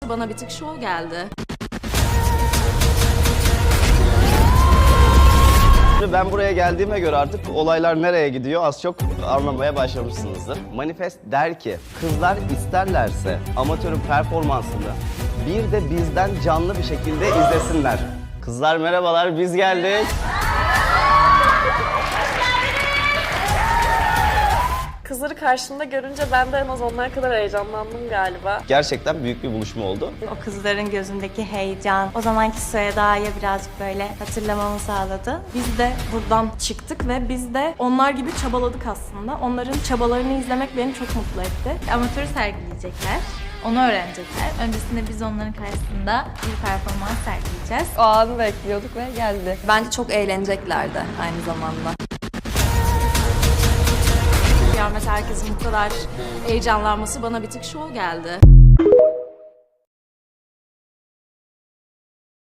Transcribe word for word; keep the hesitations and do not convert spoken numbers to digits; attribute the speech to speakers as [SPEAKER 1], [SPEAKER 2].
[SPEAKER 1] Bana bir tık şov geldi.
[SPEAKER 2] Ben buraya geldiğime göre artık olaylar nereye gidiyor az çok anlamaya başlamışsınızdır. Manifest der ki kızlar isterlerse amatörün performansını bir de bizden canlı bir şekilde izlesinler. Kızlar merhabalar, biz geldik.
[SPEAKER 3] Kızları karşımda görünce ben de en az onlar kadar heyecanlandım galiba.
[SPEAKER 2] Gerçekten büyük bir buluşma oldu.
[SPEAKER 4] O kızların gözündeki heyecan, o zamanki Süheyda'yı birazcık böyle hatırlamamı sağladı.
[SPEAKER 1] Biz de buradan çıktık ve biz de onlar gibi çabaladık aslında. Onların çabalarını izlemek beni çok mutlu etti.
[SPEAKER 5] Amatörü sergileyecekler. Onu öğrenecekler. Öncesinde biz onların karşısında bir performans sergileyeceğiz.
[SPEAKER 3] O anı bekliyorduk ve geldi.
[SPEAKER 1] Bence çok eğleneceklerdi aynı zamanda. Yani mesela herkesin bu kadar heyecanlanması bana bir tık şov geldi.